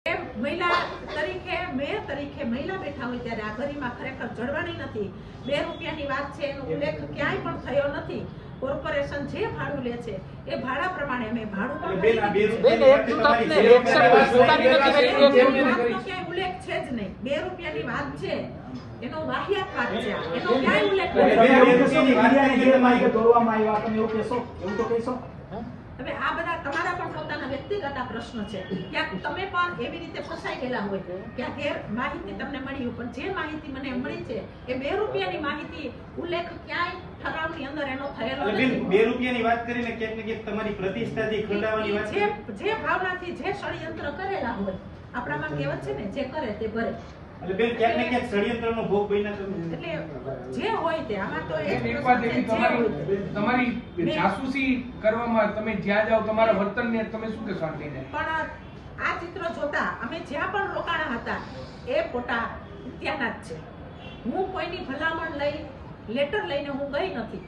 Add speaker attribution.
Speaker 1: મહિલા તરીકે મેયર તરીકે મહિલા બેઠા હોય ત્યારે આ ગરિમા ખરેખર જળવાણી નથી। 2 રૂપિયાની વાત છે, એનો ઉલ્લેખ ક્યાંય પણ થયો નથી। કોર્પોરેશન જે ભાડું લે છે એ ભાડા પ્રમાણે અમે ભાડું ક્યાંય ઉલ્લેખ છે જ નહીં। 2 રૂપિયાની વાત છે, એનો વાહિયાત વાત છે, એનો ક્યાંય ઉલ્લેખ નથી। હવે આ બધા તમારા પણ પોતાના વ્યક્તિગત પ્રશ્ન છે। ક્યાંક તમે પણ એવી રીતે ફસાઈ ગયેલા હોય, ક્યાંક ગેર માહિતી તમને મળી હોય, પણ જે માહિતી મને મળી છે એ 2 રૂપિયાની માહિતી ઉલ્લેખ ક્યાંય ઠરાવની અંદર એનો થયેલો નથી।
Speaker 2: 2 રૂપિયાની વાત કરીને ક્યાંક ને ક્યાંક તમારી પ્રતિષ્ઠાથી ખંડાવાની વાત
Speaker 1: જે ભાવનાથી જે ષડયંત્ર કરેલા હોય, આપણામાં કહેવત છે ને, જે કરે તે ભરે।
Speaker 2: એટલે બેન ક્યાંક ને ક્યાંક ષડયંત્રનો ભોગ બન્યા તમે।
Speaker 1: એટલે જે હોય તે આમાં તો એક
Speaker 3: વાત એવી તમારી જાસૂસી કરવામાં તમે જ્યાં જાઓ તમારા વર્તનને તમે શું કહેશો આંટીને?
Speaker 1: પણ આ ચિત્ર જોતા અમે જ્યાં પણ રોકાણા હતા એ ફોટા ત્યાંના જ છે। હું કોઈની ભલામણ લઈ લેટર લઈને હું ગઈ નથી।